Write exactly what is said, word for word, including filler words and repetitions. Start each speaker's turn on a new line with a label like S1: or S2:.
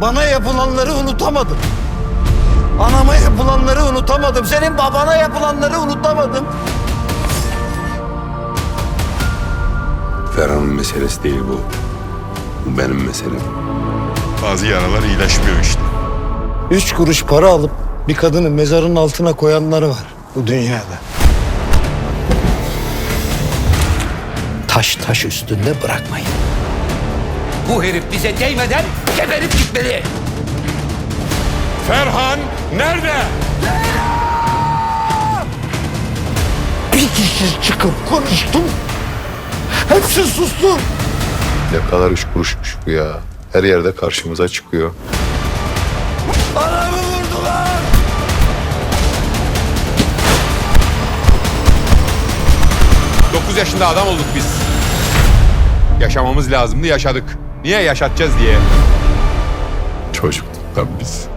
S1: Bana yapılanları unutamadım. Anama yapılanları unutamadım. Senin babana yapılanları unutamadım.
S2: Ferhan'ın meselesi değil bu. Bu benim meselem.
S3: Bazı yaralar iyileşmiyor işte.
S1: Üç kuruş para alıp bir kadını mezarın altına koyanları var bu dünyada. Taş taş üstünde bırakmayın.
S4: Bu herif bize değmeden geberip gitmeli.
S3: Ferhan nerede?
S1: Bir kişi çıkıp konuştum. Hepsi sustu.
S5: Ne kadar üç kuruşmuş bu ya. Her yerde karşımıza çıkıyor.
S1: Anamı vurdular.
S6: Dokuz yaşında adam olduk biz. Yaşamamız lazımdı, yaşadık. Niye yaşatacağız diye.
S5: Çocuktuk lan biz.